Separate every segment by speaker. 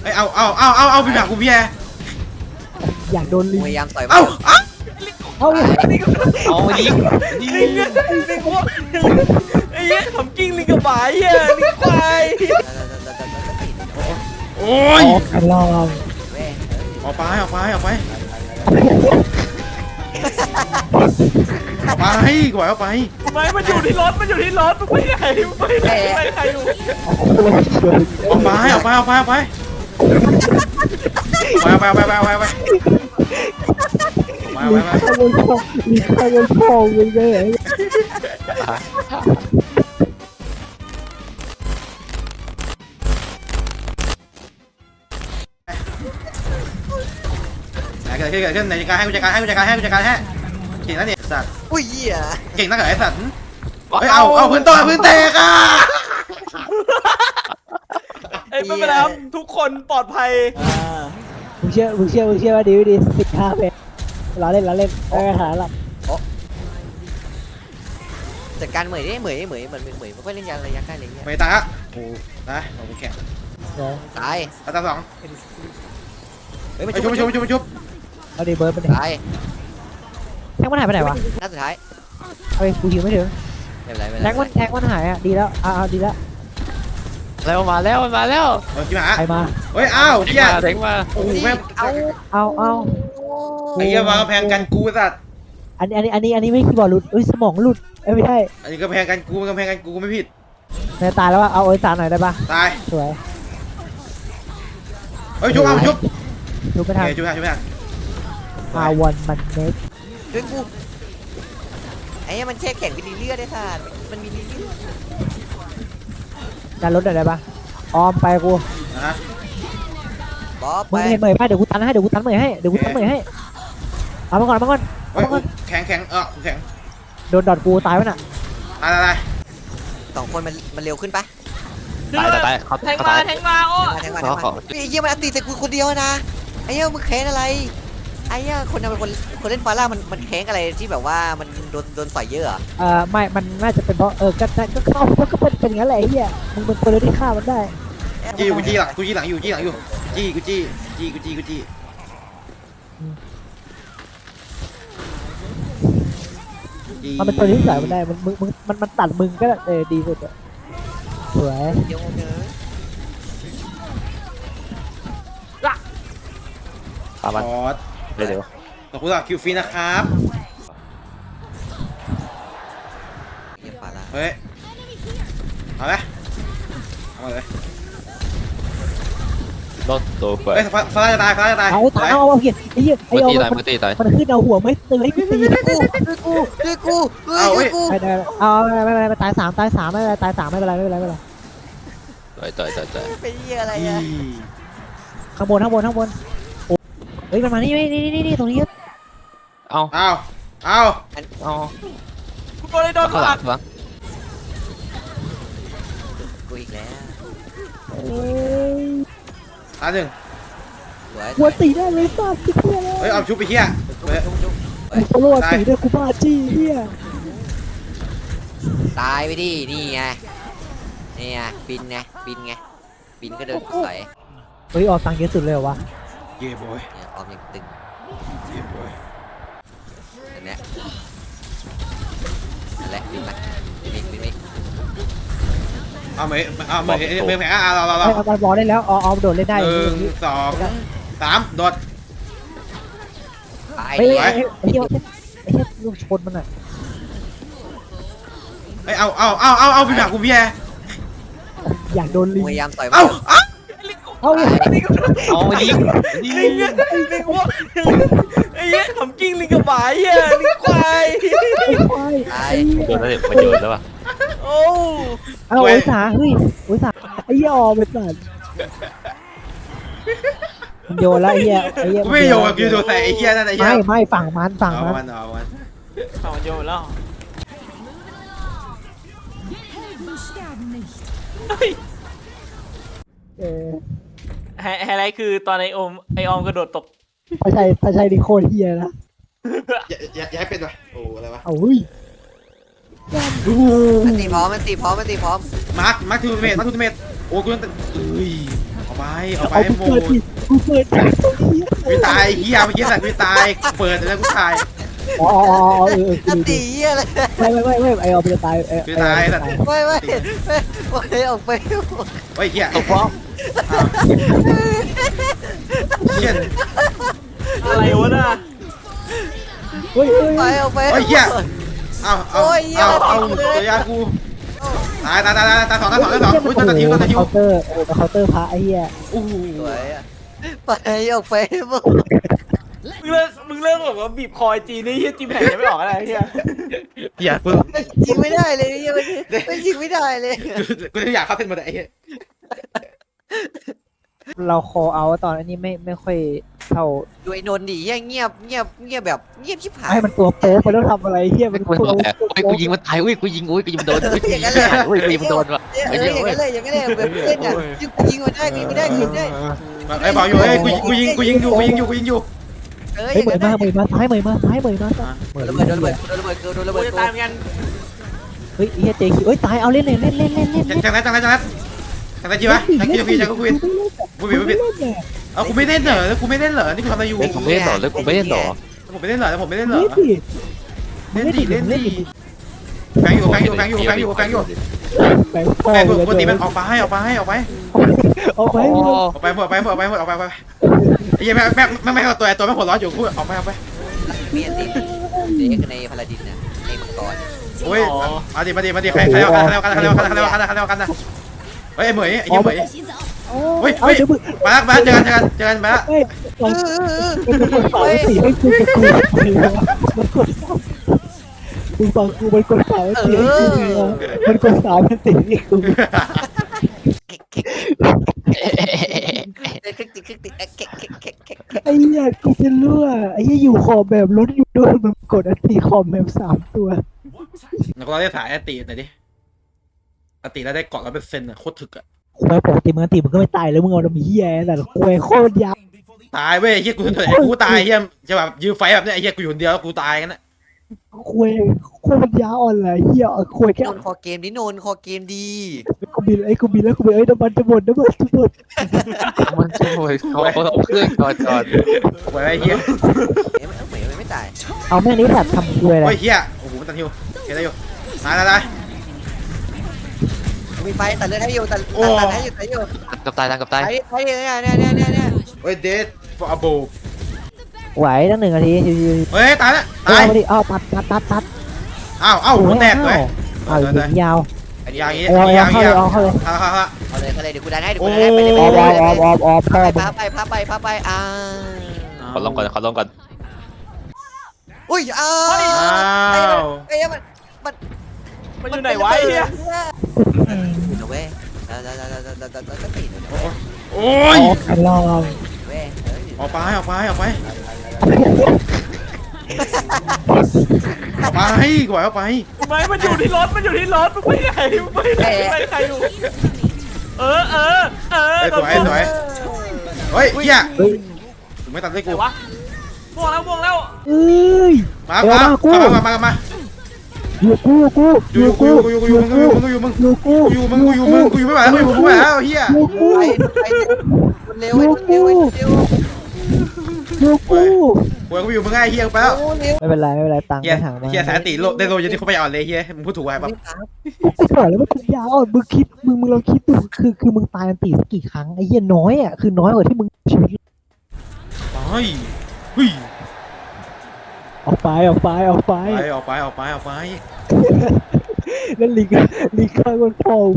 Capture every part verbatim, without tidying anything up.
Speaker 1: เอ้ยเอาเอาเอาเอาเอาไปหากูพี่แอ
Speaker 2: อยากโดนลิง
Speaker 3: พยายามต่อย
Speaker 1: เอาเอา
Speaker 2: เอา
Speaker 4: เอาลิง
Speaker 5: ลิงลิงลิงพวกไอ้เหี้ยทำกิ้งลิงกับหมาเหี้ยลิงควาย
Speaker 1: โอ้ย
Speaker 2: กระลอง
Speaker 1: ออกไปออกไปออกไปออกไปกว่าออกไป
Speaker 5: ไม่มันอยู่ที่รถมันอยู่ที่รถมันไปไหนมันไปไหนไปใครอยู่
Speaker 1: ออกไปออกไปออกไปออกไปไปไปไปไปไปไป มา
Speaker 2: ลิ
Speaker 1: มาง มา
Speaker 2: ข้างบนช่องลิงข้างบนช่องมึงเลย
Speaker 1: เกิดขึ้นเกิดขึ้นในจัดการให้กูจัดการให้กูจัดการให้กูจัดการให้เก่งนะเนี่ยสัตว์
Speaker 3: อุ้ยเหี้ย
Speaker 1: เก่งนักเหรอไอ้สัตว์เฮ้ยเอาเอาพื้นต่อพื้นแตกอ่ะ
Speaker 5: เอ้ยไม่เป็นไรครับทุกคนปลอดภัย
Speaker 2: มึงเชื่อมึงเชื่อมึงเชื่อว่าดีไม่ดีสิบห้าเพจเราเล่นเราเล่นไม่มีปัญหาหรอก
Speaker 3: จัดการเหมยดิเหมยเหมยเหมือนเหมยไม่ค่อยเล่นยาระยะใกล้อะไรเงี้ย
Speaker 1: ไม่ตายอ่ะโอ้นะเราแข่ง
Speaker 3: ตาย
Speaker 1: อันดับสอง
Speaker 3: เฮ้ยมัน
Speaker 1: ไป
Speaker 3: ชุ
Speaker 1: ชุ
Speaker 3: บบ
Speaker 1: ไปชุบไปชุบไปชุบ
Speaker 2: เอาดีเบิร์ดไปไหน
Speaker 3: ตาย
Speaker 2: แท็กมันหายไปไหนวะ
Speaker 3: นัดสุดท้าย
Speaker 2: เอาไปกูหิวไม่ถึง
Speaker 3: ไม่เป็นไรไม่เป็น
Speaker 2: แท็ก
Speaker 3: ไร
Speaker 2: มันแท็กมันหายอ่ะดีแล้วเอาเอาดีแล้ว
Speaker 4: แล้วมาแล้วมาแล้ว
Speaker 1: เออกี่หมา
Speaker 2: ใครมา
Speaker 1: เฮ้ยอ้าวเฮีย
Speaker 4: มาเด็กมา
Speaker 1: โอ้โหแม่ง
Speaker 3: เอา
Speaker 2: เอาเอา
Speaker 1: ไอ้เหี้ยวางกำแพงกันกูสัตว์
Speaker 2: อันนี้อันนี้อันนี้อันนี้ไม่คีย์บอร์ดหลุดเอ้ยสมองหลุดเอ้ยไม่ใช่
Speaker 1: อันนี้กำแพงกันกูกำแพงกันกูไม่ผิด
Speaker 2: แม่ตายแล้วว่าเอาโอ้ยสารหน่อยได้ปะ
Speaker 1: ตาย
Speaker 2: สวย
Speaker 1: เฮ้ยชุบเอาชุบ
Speaker 2: ดูไป
Speaker 1: โอ
Speaker 2: ทาง
Speaker 1: เคชุบทางชุบทาง
Speaker 2: อาวันมันเน็ก
Speaker 3: ช่วยกูไอ้เหี้ยมันแช่แข็งเป็นเลือดได้ท่านมันมีเลือด
Speaker 2: การลดหน่อยได้ปะออมไปกู
Speaker 1: นะฮะ
Speaker 3: บ๊อบ
Speaker 2: มึ
Speaker 3: ไป
Speaker 2: งเห็นเหมยป่ะเดี๋ยวกูตันให้เดี๋ยวกูตันเหมยให้เดี๋ยวกูตันเหมยให้เอามาก่อนเอามาก่อน
Speaker 1: เฮ้ยแข็งแข็งเออแข็ง
Speaker 2: โดนดอดกูตายไว้น่ะ
Speaker 1: ตายตายตาย
Speaker 3: สองคนมันมันเร็วขึ้นปะ
Speaker 4: ตายตายตายเขา
Speaker 5: แทง
Speaker 4: เขา
Speaker 5: มา
Speaker 4: ตาย
Speaker 5: แทงมาโอ้
Speaker 3: แทงมาแทงมาแทงมาไอ้เหี้ยมันอัตีใส่กูคนเดียวนะไอ้เหี้ยมึงแค้นอะไรไอ้เหี้ยคนทำเป็นคนคนเล่นฟาร่ามันมันแค้นอะไรที่แบบว่ามันโดนโดนใส่เยอะอะ
Speaker 2: เอ่อไม่มันน่าจะเป็นเพราะเออก็ก็เข้าก็เป็นเป็นอย่างนั้นแหละไอ้เหี้ยมึงเป็นคนเดียวที่ฆ่ามันได้
Speaker 1: จี้กูจี้หลังกูจี้หลังอยู่จี้หลังอยู่จี้กูจี้จี้กูจี้กูจี้จี้
Speaker 2: มันเป็นตัวที่ใส่มันได้มันมึงมึงมันมันตัดมึงก็เออดีสุดอะสวย
Speaker 3: เดี๋ยวเนอะ
Speaker 4: ตาม
Speaker 1: ค
Speaker 4: มัน
Speaker 1: อร์ส
Speaker 4: เร็ว
Speaker 1: ขอบคุณสำหรับคิวฟรีนะครับ
Speaker 3: เหี้ยฟาร่า
Speaker 1: เฮ้ยเอาไหมเอาเลย
Speaker 4: รถตัวเปิด
Speaker 1: เฮ้ยฟ้าฟ้าจะตายฟ้าจะตาย
Speaker 2: เอาตายเอาเอาเหี้ยไอ้เหี้ยไอ้
Speaker 4: มือ
Speaker 2: เอา
Speaker 4: ตีตาย
Speaker 2: มัน
Speaker 4: มือตีตาย
Speaker 2: มันขึ้นเอาหัวไม่ตื่นให้กูตี
Speaker 3: ด้วยกูด้วยกูด้วยกู
Speaker 2: ไม่ได้เอาไม่ไม่ไม่ตายสามตายสามไม่เป็นไรตายสามไม่เป็นไรไม่เป็นไรไม่เป็นไร
Speaker 4: ต่อยต่อยต่อยต่อย
Speaker 3: เป็นเหี้ยอะไร
Speaker 1: อี
Speaker 3: อะ
Speaker 2: ข้างบนข้างบนข้างบนโอ้เฮ้ยมันมานี่นี่นี่นี่ตรงนี้
Speaker 4: เอา
Speaker 1: เอาเอา
Speaker 4: เอา
Speaker 5: กูโดนเลยโดน
Speaker 4: ข้างห
Speaker 5: ห
Speaker 4: ลั
Speaker 5: ลั
Speaker 4: ง
Speaker 5: ก
Speaker 4: ข้างหลัง
Speaker 3: กูอีกแล้ว
Speaker 1: ตายหนึ่ง
Speaker 3: สวย
Speaker 2: หัวตีได้เลยฟาดที่เพื่อนเลย
Speaker 1: เฮ้ยเอาชุบไปเฮีย
Speaker 3: จุ๊บจุ๊บจุ๊บ
Speaker 2: โซโล่ตีด้วยกูบ้าจี้เฮีย
Speaker 3: ตายไปดินี่ไงนี่ไงบินไงบินไงบินก็เดินใส่
Speaker 2: เฮ้ยออกตังค์เยอะสุดเลยเหรอวะ
Speaker 1: เย่บอย
Speaker 3: เนี่ยออมยังตึง
Speaker 1: เย่บอย
Speaker 3: อันเนี้ยนั่นแหละบินมาบินอีกบินอีก
Speaker 1: เอาไหมเอาไหมเมืองแผงอ่ะเราเราเรา
Speaker 2: ไอ้เอาบอลได้แล้วออมโดดเล่นได้
Speaker 1: หนึ่งสองสามโดด
Speaker 3: ตาย
Speaker 2: เฮ้ย
Speaker 3: ดิ
Speaker 2: ไอ้ไอ้เหี้ยไอ้เหี้ยลูกชนมันอ่ะ
Speaker 1: เฮ้ยเอาเอาเอาเอาเอาไปหากูพี่แอ
Speaker 2: อยากโดนลิง
Speaker 3: พยายามต่อย
Speaker 1: เอาเอา
Speaker 2: เอา
Speaker 5: ลิง
Speaker 4: เอาลิงลิง
Speaker 5: ลิงลิงพวกไอ้เหี้ยทำกิ้งลิงกับหมาเหี้ยลิงควาย
Speaker 2: ไอ้ควาย
Speaker 3: ตาย
Speaker 4: โดนแล้วดิมันโดนแล้วป่ะ
Speaker 5: โอ้
Speaker 2: เอาโอ้ยสาเฮ้ยโอ้ยสาไอ้เหี้ยออมไปสัตว์โยนแล้วไอ้เหี้ยไอ้เหี้ย
Speaker 1: กูไม่โยนกูโดนแต่ไอ้เหี้ยนั่นไอ้เหี้
Speaker 2: ไม่
Speaker 1: ย
Speaker 2: ไม่ฝั่งมันฝั่ง
Speaker 1: เอา
Speaker 2: มัน
Speaker 1: มันเอามัน
Speaker 5: เอาโยนแล้ว
Speaker 2: เออ
Speaker 5: ไฮไฮไลท์คือตอนไอโอมไอออมกระโดดตก
Speaker 2: พระชัยพระชัยดิโคตรเฮียนะ
Speaker 1: อย่าอย่าอย่าให้เป็นวะโอ้อะไรวะ
Speaker 2: เอาเฮ้ย
Speaker 3: มันตีพร้อมมันตีพร้อมมันตีพร้อม
Speaker 1: มาร์คมาร์คทูเมตมาร์คทูเมตโอ้กูต้องเอ้ยเอาไปเอาไป
Speaker 2: เอา
Speaker 1: หม
Speaker 2: กูเปิด
Speaker 1: ด
Speaker 2: ดิกูเปิดดิ
Speaker 1: กูตายเฮียเมื่อกี้สัตว์กูตายเปิดแล้วกูตาย
Speaker 2: อ๋ออ๋อเออ
Speaker 3: อัน
Speaker 2: กู
Speaker 3: ตีเหี้ยอะไร
Speaker 2: ไม่ไม่ไม่ไม่ไอเอาไปตายไอ
Speaker 1: กูตายสัตว์
Speaker 3: ไม่ไม่ไม่ไม่ออกไป
Speaker 1: เฮ้ยเฮีย
Speaker 4: ตกพร้อม
Speaker 1: เฮีย
Speaker 5: อะไรวะน่ะ
Speaker 2: เฮ้ยเฮ้ย
Speaker 3: ไปออกไป
Speaker 1: เฮ้ยเฮียเอาเอา
Speaker 3: โอ้ยเหี้ย
Speaker 1: เอาเอา
Speaker 3: เลย
Speaker 1: ตัวยากูตายตายตายตายตายสองตายสองตายสองอุ้ยตายตายทิวตายตายทิว
Speaker 2: เคาน์เตอร์เออเคาน์เตอร์พระไอ้เหี้ย
Speaker 1: โอ้โห
Speaker 3: สวยอ่ะไปออกไปมึง
Speaker 5: มึงเลิกมึงเลิกแบบว่าบีบคอยจีนนี่เฮียจีแผ่นยังไม่ออกอะไรเฮีย
Speaker 1: เฮียกู
Speaker 3: ยิงไม่ได้เลยเหี้ยไม่ไม่ยิงไม่ได้เลย
Speaker 1: กูอยากเข้าเส้นมาแต่ไอ้เฮีย
Speaker 2: เราคอเอาตอนอันนี้ไม่ไม่ค่อยเท่า
Speaker 3: ดูไอ้นนท์ดิเหี้ยเงียบเงียบเงียบแบบเงียบชิบหาย
Speaker 2: ให้มันตัวโป๊ะไปแล้วทำอะไรเหี้ยมัน
Speaker 4: กู
Speaker 2: ตัว
Speaker 4: บอกแล้วอุ้ยกูยิงมันตายอุ้ยกูยิงอุ้ยกูยิงมันโดนอุ้ยกูยิงมันตายอุ้ยกูยิงมันโดนว่ะ
Speaker 3: เอออย่างนั้นเลยอย่างนั้นเลยแบบเล่นอ่ะยิงยิงมันได้ยิงไม่ได้ยิงไม่ได้
Speaker 1: ไอ้บอกอยู่เฮ้ยกูกูยิงกูยิงอยู่กูยิงอยู่กูยิงอยู่
Speaker 3: เอออ
Speaker 2: เฮ้ย
Speaker 3: ย่าง
Speaker 2: เหมือ
Speaker 3: นั้น น
Speaker 2: มาเหมือนมาซ้ายเหมือนมาซ้ายเหมือนมาซ้ายเหมือน
Speaker 3: ระเบิดโดนระเบิดโดนระเบิดโดนระ
Speaker 5: กู
Speaker 3: เบิด
Speaker 5: จะตายเหมือนกัน
Speaker 2: เฮ้ยเฮียเจคิวเฮ้ยตายเอาเล่นเลยเล่นเล่นเล่นเล่น
Speaker 1: จังนั้นจังนั้นจังนั้นจังนั้นจีวะจังกี้จังกี้จังกูคุยกูบิดกูบิดเอากูไม่เล่นเหรอแล้วกูไม่เล่นเหรอนี่กูทำอะไรอยู่
Speaker 4: เล่นผมไม่เล่นหรอเล่นผมไม่เล่นหรอ
Speaker 1: ผมไม่เล่นเหรอผมไม่เล่นเหรอ
Speaker 2: เล่นดิ
Speaker 1: เล่นดิเล่นดิแฟงอยู่แฟงอยู่แฟงอยู่แฟงอยู่แฟงอยู่
Speaker 2: แบงค์พ่อ
Speaker 1: แฟง
Speaker 2: เล
Speaker 1: กู
Speaker 2: ย
Speaker 1: ปกติมันออกไปให้ออกไปให้ออกไป
Speaker 2: ออกไป
Speaker 4: โอ้
Speaker 1: ออกไปหมดไปหมดไปหมดออกไปไปไอ้ยังแม่แม่แม่แม่ตัวตัวแม่หัวร้อนอยู่กูออกไปออกไป
Speaker 3: มีอันติเด็กในพาราดินน่ะในมังกร
Speaker 1: โอ้ยมาดิมาดิมาดิใครใครเอากันใครเอากันใครเอากันใครเอากันใครเอากันนะเฮ้ยไอ้เหมยไอ้ยี่เหมย
Speaker 2: เฮ้ยเฮ้ยเดี๋ยวมึง
Speaker 1: มาแล้วมาเจอกันเจอกันเจอกันมาแล้ว
Speaker 2: เฮ้ยลองมันกดสามสี่ให้กูกับกูมันกดมึงฟังกูมันกดสามสี่ให้กูมันกดสามสี่ให้กู
Speaker 3: คลิกติคลิกติเก๊กเก๊กเก๊กเก๊ก
Speaker 2: ไอ้เหี้ยกูจะรั่วไอ้เหี้ยอยู่ขอบแบบรถอยู่ด้วยมันกดอันตีขอบแบบสามตัว
Speaker 1: นักร้องได้สายอติหน่อยดิอติแล้วได้เกาะร้อยเปอร์เซ็นต์อ่ะโคตรถึกอ่ะ
Speaker 2: ควายปกติมึงอันตีมึงก็ไม่ตายแล้วมึงเอาดำเหี้ยแต่ควายโคตรยาว
Speaker 1: ตายเว้ยเฮียกูกูตายเฮียจะแบบยื้อไฟแบบเนี้ยเฮียกูอยู่คนเดียวแล้วกูตายกันนะ
Speaker 2: ควายโคตรยาวอ่อนเลยเหี้ยควายแค่
Speaker 3: นนคอเกมดินนคอเกมดี
Speaker 2: กูบินไอ้กูบินแล้วกูบินไอ้น้ำมันจะหมดน้ำมันจะหมด
Speaker 4: มันจะโวยเขาเขาเอาเครื่องก่อนก่อน
Speaker 1: โอ้ยไอ้เฮีย
Speaker 3: เอ๊ะมันเหมือนไม่ตาย
Speaker 2: เอาแม่นี้แบบทำควายอะไร
Speaker 1: โอ้ยเฮียโอ้โหมันตันฮิวเห็นได้อยู่ตายตายตาย
Speaker 3: มีไฟตัดเลือดให้อยู่ตัดตัดให้อยู่ตัดอยู่
Speaker 4: กับตายกับ
Speaker 3: ไฟ
Speaker 4: ตาย
Speaker 3: ไฟเนี่ยเนี่ยเนี่ยเนี่ยเนี่ย
Speaker 1: โอ้ยเดดฟอร์โบ
Speaker 2: ไหวตั้งหนึ่งนาทีชิว
Speaker 1: เฮ้ยตายแล้ว
Speaker 2: ๆ
Speaker 1: ตาย
Speaker 2: เอามาดิอ้าวตัดตัดตัดตัด
Speaker 1: อ้าวอ้าวหัวแตกเลย
Speaker 2: อ้าวยิงยาว
Speaker 1: อย่างงี้
Speaker 2: เอา
Speaker 1: อย่าง
Speaker 2: เอา
Speaker 1: งี้
Speaker 2: เข้าเลยเอาเข้าเลย
Speaker 1: เอาเอาเอา
Speaker 3: เอาเลยเอาเลยเดี๋ยวกูดันให้เดี๋ยวกูดันให้ไปเลย
Speaker 2: ออมออมออมออมออมพ่อ
Speaker 3: พาไปพาไปพาไปอ่า
Speaker 4: ขอลองก่อนขอลองก่อน
Speaker 3: อุ้ยอ้า
Speaker 1: อ้าว
Speaker 3: ไอ้มันมัน
Speaker 5: มันอยู่ไหนวะไอ้เฮีย
Speaker 3: อยู่นะเว้ยแล้วแล้วแล้วแล้วแล้วแล้วก็ตีน
Speaker 1: โอ้ย
Speaker 2: ลอง
Speaker 3: เว้ย
Speaker 1: ออกไปออกไปออกไปออกไปกว่าออกไป
Speaker 5: ไม่มันอยู่ที่รถมันอยู่ที่รถมึงไปไหนมึงไปไหนไปใครอยู่เออเออเออ
Speaker 1: สวยสวยเฮ้ยเฮีย
Speaker 2: เฮ้ย
Speaker 1: ถึงไม่ตัดด้วย
Speaker 5: ไหน
Speaker 1: กู
Speaker 5: วะม่วงแล้วม่วงแล้ว
Speaker 2: เอ้ย
Speaker 1: มามามามามา
Speaker 2: อยู่กูกู
Speaker 1: อยู่กูอยู่กูอยู่มึงอยู่มึงอยู่มึง
Speaker 2: อยู่กู
Speaker 1: อยู่มึงกูอยู่มึงกูอยู่ไม่ไหวแล้วกูอยู่ไม่ไหวแล้วเฮีย
Speaker 2: อยู่กู
Speaker 3: ไปไปเร็วเร็วเร็วเร็ว
Speaker 2: อยู่กู
Speaker 1: กูกูอยู่มึงไงเฮียไปแล้ว
Speaker 3: เร็ว
Speaker 2: ไม่เป็นไรไม่เป็นไรตังค์
Speaker 1: เฮีย
Speaker 2: ไม่ห่างมา
Speaker 1: เฮียสายติโลได้โลยันที่เขาไปอ่อนเลยเฮียมึงพูดถูกไงปั๊บ
Speaker 2: กูบอกแล้วว่าปัญญาอ่อนมึงคิดมึงมึงลองคิดดูคือคือมึงตายอันตีสักกี่ครั้งไอ้เหี้ยน้อยอ่ะคือน้อยกว่าที่มึงชีวิต
Speaker 1: เฮ้ยเฮ้ย
Speaker 2: ออกไปออกไปออกไป
Speaker 1: ไปออกไปออกไปออกไป
Speaker 2: แล้วลิงลิงข้างบนพอ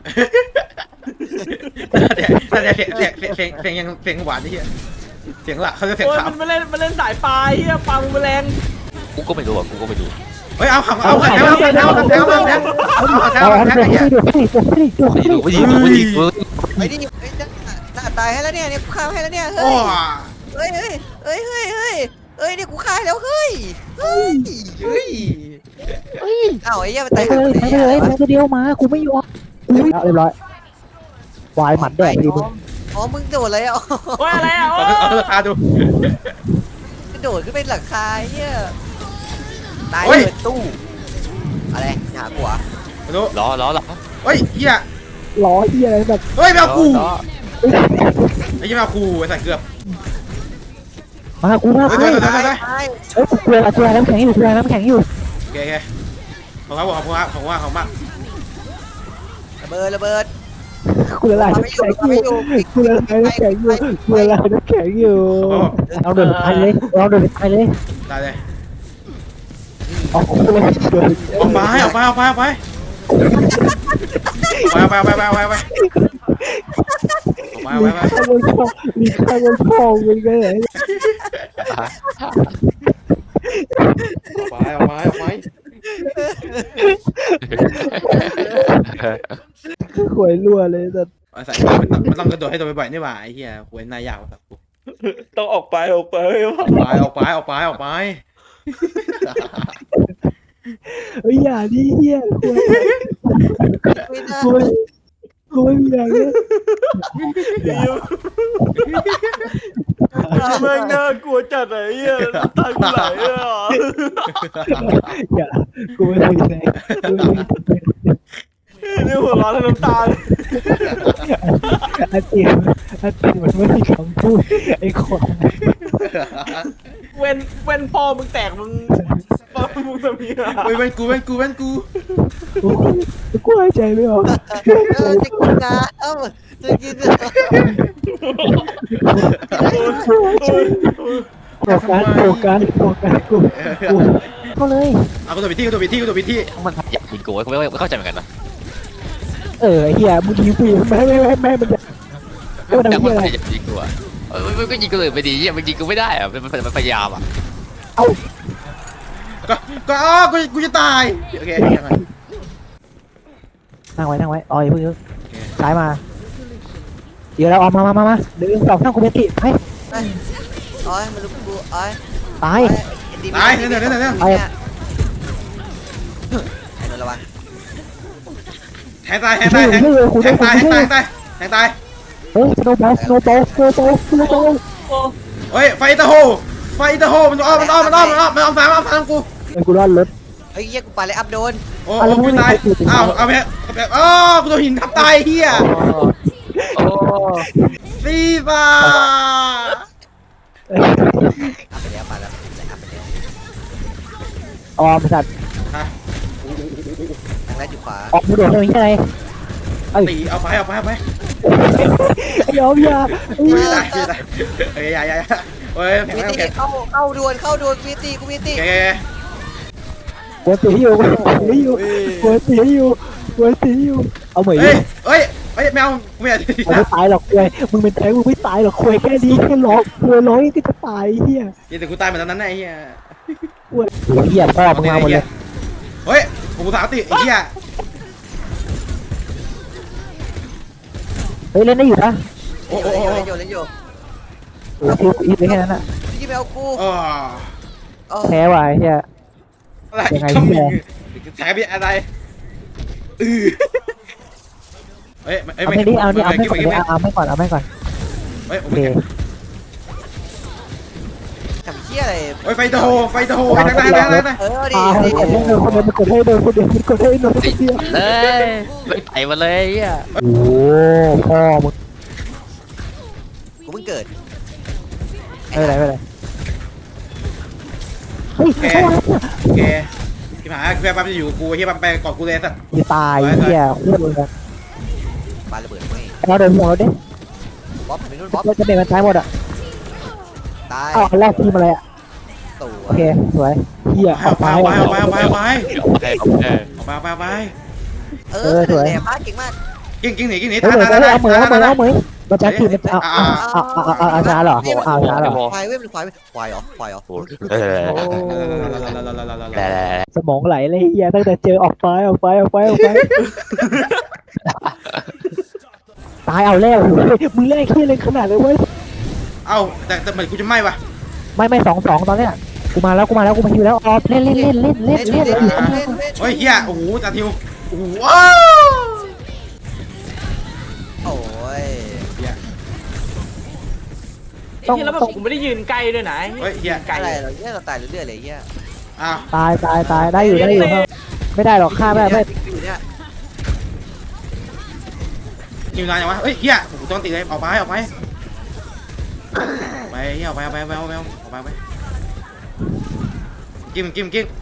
Speaker 1: เดี๋ยวเดี๋ยวเสียงเสียงเสียงเสียงเสียงยังเสียงหวานนี่เฮียเสียงหลักเขาจะเสียง
Speaker 5: โอ้ย
Speaker 1: ขาว
Speaker 5: มันมาเล่นมาเล่นสายปลาเฮียปลาบูมแมลง
Speaker 4: กูก็ไม่รู้อ่ะกูก็ไม่รู้
Speaker 1: เฮ้ยเอาเอาเอาเอาเอาเอาเอาเอาเอาเอาเอาเอาเอา
Speaker 2: เอาอัน
Speaker 1: เอา
Speaker 2: เดียวให้ดูให้ดูให้ดูให้
Speaker 4: ไม่
Speaker 2: ดู
Speaker 4: รู้ไม่รู้ไม่รู้
Speaker 3: ไอ้นี่หน้าตายให้แล้วเนี่ยเนี่ยกูฆ่าให้แล้วเนี่ย
Speaker 1: โอ้
Speaker 3: เฮ้ยเฮ้ยเฮ้ยเฮ้ยเฮ้ยเฮ้ยเนี่ยกูฆ่าแล้วเฮ้ยเฮ้ย
Speaker 1: เฮ้ย
Speaker 2: เฮ้ย
Speaker 3: อ้าวไอ้เหี้ยมัน
Speaker 2: ไป
Speaker 3: ตาย
Speaker 2: เลยไปเลยไปตัวเดียวมากูไม่ยอมเรียบร้อยวายหมัดแดกดีมึง
Speaker 3: อ๋อมึงโดดเลยอ่ะ
Speaker 5: โอ้ยอะไรอ่ะโอ้
Speaker 1: เอาเอาราคาดู
Speaker 3: กระโดดขึ้นไปหลังคาเหี้ยตายเลยตู้อะไรหาหัว
Speaker 1: ดู
Speaker 4: ล้อล้อล้อ
Speaker 1: เฮ้ยเฮีย
Speaker 2: ล้อเฮียอะไรแบบ
Speaker 1: เฮ้ยแมวกู
Speaker 4: ล้อ
Speaker 2: ล
Speaker 1: ไอ้ยี่มาคูไอ้สัตว์เกือบ
Speaker 2: มากูมา
Speaker 1: เฮ้ย
Speaker 2: กู
Speaker 1: เดี๋ยวเดี๋ยวเดี๋ยวเดี๋ยว
Speaker 3: ตาย
Speaker 2: เอ้ยกูกลัวกูกลัวน้ำแข็งอยู่กูกลัวน้ำแข็งอยู่
Speaker 1: โอเคโอเคขอบคุณครับขอบคุณครับขอบคุณมากขอบคุณมาก
Speaker 3: ระเบิดระเบิด
Speaker 2: กูละลายน้ำแข็งอยู่กูละลายน้ำแข็งอยู่กูละลายน้ำแข็งอยู่เอาเดินไปเลยเอาเดินไปเลย
Speaker 1: ตายเลย
Speaker 2: เอากูเลยเดิน
Speaker 1: เอาไปเอาไปเอาไปเอาไปเอาไปเอาไปเอาไปเอาไปเอาไปเอาไปเอาไปเอาไป
Speaker 2: มีข้าวบนช่องมีข้าวบนช่องมันก็เลย
Speaker 1: เอาไปเอาไปเอาไป
Speaker 2: หวยรั่วเลยแต่
Speaker 1: ไอ้สัตว์มันต้องมันต้องกระโดดให้ตัวบ่อยๆนี่หว่าไอ้เหี้ยหวยนายยาวสัตว์กู
Speaker 5: ต้องออกไปออกไป
Speaker 1: ออกไปออกไปออกไปออกไป
Speaker 2: เฮ้ยอย่าดิเฮียหวย
Speaker 3: ไม่ได้
Speaker 2: หวยหวยอย่างเงี้ย
Speaker 5: แม่งน่ากลัวจัดไอ้เหี้ยตายกูไหลอ่ะ
Speaker 2: อย่ากูไม่ได้ไหนกูไม่ได้
Speaker 5: นี่หัวร้อนน้ำตาล
Speaker 2: อาเจียนอาเจียนมันไม่มีคำพูดไอ้ควาย
Speaker 5: เว้นเว้นพ่อมึงแตกมึงมึงจะมีอ่ะ
Speaker 1: เว้ยเว้นกูเว้นกูเว้นกู
Speaker 2: กูหายใจไม่ออก
Speaker 3: เออจะกินนะเอ้าจะกิน
Speaker 2: โฟกัสโฟกัสโฟกัสกูกูก็เลย
Speaker 1: เอากูตัวไปที่กูตัวไปที่กูตัวไปที่
Speaker 4: มันอยากยิงกูกูไม่ไม่เข้าใจเหมือนกันนะ
Speaker 2: เออไอ้เหี้ยมึงยิงกูไม่ไม่ไม่ไม่มันจะไม่มัน
Speaker 4: แต่
Speaker 2: ทำ
Speaker 4: มัน
Speaker 2: เหี้ยอะไร
Speaker 4: อยากยิงกูอ่ะเออมันก็ยิงกูเลยไม่ดีเหี้ยมันยิงกูไม่ได้อ่ะมันมันพยายามอ่ะ
Speaker 2: เอ้า
Speaker 1: ก็ก็อ๋อกูกูจะตายโอเคยังไง
Speaker 2: นั่งไว้นั่งไว้อ๋ออย่าเพิ่งซ้ายมาเดี๋ยวเราออกมามามามาเดี๋ยวสองนั่งกูเมติให้
Speaker 3: โอ้ยมันลุกกูโอ้ย
Speaker 2: ตาย
Speaker 1: ตายเดี๋ยวเดี๋ยวเดี๋ยวเดี๋ยว
Speaker 3: ไอ้โดนระวัง
Speaker 1: แทงตายแทงตายแทงแทงตายแทงตายแทงตายแทงตาย
Speaker 2: เฮ้ยสโนว์บอลสโนว์บอลสโนว์บอลสโนว์บอล
Speaker 1: เฮ้ยไฟตะโฮไฟตะโฮมันอ้อมมันอ้อมมันอ้อมมันอ้อมมันอ้อมสามอ้อมสามกู
Speaker 2: ไอ้กูรอดรถ
Speaker 3: เฮ้ยเยี่ยกูปาเลยอัพโดน
Speaker 1: โอ้โหกูตายอ้าวเอาไปเอาไปอ๋อกูโดนหินทับตายเฮีย
Speaker 4: โอ้
Speaker 1: ฟีฟ่า
Speaker 3: อัพไปแล้วปาแล้วอัพไปแล้ว
Speaker 2: ออมสัตว์
Speaker 1: ฮะ
Speaker 3: ทางแรกอยู่ขวา
Speaker 2: ออกมาโดดทำไมที่ไหน
Speaker 1: ตีเอาไปเอาไปเอาไป
Speaker 2: ไอ้ยอมยา
Speaker 1: ไม่ได้ไม่ได้เฮ้ยอย่าอย่าเฮ้ยแข็ง
Speaker 3: มี
Speaker 1: แรง
Speaker 3: ตี
Speaker 1: แข็ง
Speaker 3: เข้าเข้าดวนเข้าดวนมีตีกูมีตี
Speaker 1: แก
Speaker 2: หัวตีอยู่หัวตีอยู่หัวตีอยู่หัวตีอยู่เอาเหมย
Speaker 1: เฮ้ยเฮ้ยเฮ้ยแมวไม่อยาก
Speaker 2: มึงไม่ตายหรอกควยมึงเป็นแท้มึงไม่ตายหรอกควยแค่นี้แค่ร้องควยร้องก็จะตายเฮีย
Speaker 1: ยิงแต่กูตายเหมือนตอนนั้นไอ้เหี้ย
Speaker 2: ควยเฮียพ่อมึงมาหมดเลย
Speaker 1: เฮ้ยกูสาวติไอ้เหี้ย
Speaker 2: เฮ้ยเล่นได้อยู่นะ
Speaker 1: โอ้
Speaker 3: เล่น
Speaker 1: โห
Speaker 3: อยู่เล่นอยู่
Speaker 2: โอ้คิวอีฟไปแค่นั้นอะ
Speaker 3: ยี่แมวกู
Speaker 1: อ๋อ
Speaker 2: แพ้ว่ะเฮีย
Speaker 1: อะไร
Speaker 2: ยังไง
Speaker 1: ก็มึ
Speaker 2: พี่
Speaker 1: ง
Speaker 2: แม่
Speaker 1: แฉไปอะไรอือเฮ้ย
Speaker 2: เอาไม่ดิเอาดิเอาไม่ก่อนเอาไม่ก่อนเอาไม่ก่อน
Speaker 1: เฮ้ย
Speaker 2: โอ
Speaker 1: โอ
Speaker 2: เค
Speaker 1: เค
Speaker 3: ทำเชี่ยอะไร
Speaker 1: เฮ้ยไฟตะโฮไฟตะโฮไฟทางไหนทางไหนทางไหน
Speaker 3: เออดิ
Speaker 2: อ่าให้คนเดียวคนเดียวมันกดให้เดินคนเดียวมันกดให้เดินคน
Speaker 4: ติด
Speaker 2: เดียว
Speaker 4: เลยไม่ไปมาเลยอ่ะ
Speaker 2: โอ้พ่อมึง
Speaker 3: กูเพิ่งเกิด
Speaker 2: ไม่เป็นไรไม่เป็นไรเฮ้ย
Speaker 1: แกแกที่หาแกปั๊มจะอยู่กูที่ปั๊มไปก่อนกูเลยสัตว์
Speaker 2: จะตายเฮียโคตรเลย
Speaker 3: ปาระเบิดไม่
Speaker 2: เราเดินหัวเราดิ
Speaker 3: บ๊อบไปนู่นบ๊อบ
Speaker 2: เราจะเดินมันซ้ายหมดอ่ะ
Speaker 3: ตาย
Speaker 2: อ้าวอันแรกทีมอะไรอ่ะ
Speaker 3: ตัว
Speaker 2: โอเคสวยเฮีย
Speaker 1: เอา
Speaker 2: เอา
Speaker 1: ไป
Speaker 2: ซ้าย
Speaker 1: เอาไปเอาไปเอาไปเอาไป
Speaker 4: โอเคโอเค
Speaker 1: เอาไปเอาไปเอาไป
Speaker 3: เออแหลมมากเก่งมาก
Speaker 1: กิ้งกิ้งหนีกิ้งหนี
Speaker 2: เฮ้ย
Speaker 1: ท่า
Speaker 2: เหมือน
Speaker 1: ท่า
Speaker 2: เอาเหมือนเอาเหมือน
Speaker 1: ท่า
Speaker 2: เอาเหมือนมันจะทีมมันเอาเอาเอาเอาเอาเอาช้าเหรอเอาช้าเหรอ
Speaker 3: ควายเว้ยมันควายเว้ยควายเหรอควายเหรอ
Speaker 4: เออ
Speaker 1: แ
Speaker 2: สมองไหลเลยเฮียตั้งแต่เจอออกไปออกไปออกไปออกไปตายเอาแล้วมึงแรกเฮียเลยขนาดเลยเว้ย
Speaker 1: เอาแต่แต่เหมือนกูจะไหม้ว่ะ
Speaker 2: ไม่ไม่สองสองตอนเนี้ยกูมาแล้วกูมาแล้วกูมาฮิวแล้วออฟเล่นเล่นเล่นเล่นเล่น
Speaker 3: เล่น
Speaker 2: เล่
Speaker 3: เล่
Speaker 2: น
Speaker 3: น
Speaker 2: เล่น
Speaker 3: เล่นเล่น
Speaker 1: เฮ้ยเฮียโอ้โหจัดทิวโอ้โหว้าว
Speaker 3: โอ้ย
Speaker 5: ไอ้ที่แล้วแบบกูไม่ได้ยืนใกล้ด้วยนะ
Speaker 1: เฮ้ยเฮีย
Speaker 5: ไกล
Speaker 3: อะไรเหรอเนี่ยเราตายเรื่อยๆเลยเฮีย
Speaker 1: อ้าว
Speaker 2: ตายตายตายได้อยู่ได้อยู่ครับไม่ได้หรอกฆ่าไม่ได้ไม่
Speaker 3: อยู่เนี่ย
Speaker 1: ยิงนานยังวะเฮ้ยเฮียกูต้องตีเลยออกไปออกไปไปเฮียออกไปออกไปออกไปออกไปออกไปออกไปกิมกิมกิม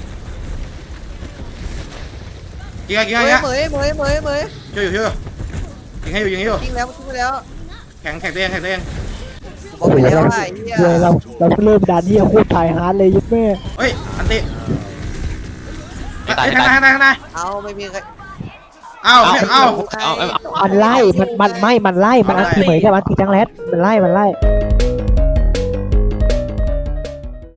Speaker 1: กินกิน
Speaker 3: เหม
Speaker 1: กิน
Speaker 3: ยเหมยเหมยเหมยเหมย
Speaker 1: ช่วยอยู่ช่วยอยู่ยิงให้อยู่ยิงให้อยู่
Speaker 3: ทิ้งแล้วทิ้งไปแล้ว
Speaker 1: แข่งแข่งตัวเองแข่งตัวเอง
Speaker 3: บอกไปแล้วไอ้เหี้ย
Speaker 2: เว้ยเราเราเริ่มด่านที่โคตรถ่ายฮาร์ดเลยยุบแม่
Speaker 1: เฮ้ยอันติ
Speaker 4: ไม่ตาย
Speaker 1: ข้า
Speaker 4: ไม่
Speaker 1: งห
Speaker 4: ตา
Speaker 1: น้าย ข้างหน้าข้างหน้า
Speaker 3: เอาไม่มีใคร
Speaker 1: เอ้าไม่เอ้า
Speaker 4: เอาเอา
Speaker 2: มันไล่มันมันไม่มันไล่มันอันตีเหมยกับอันตีจังแรดมันไล่มันไล่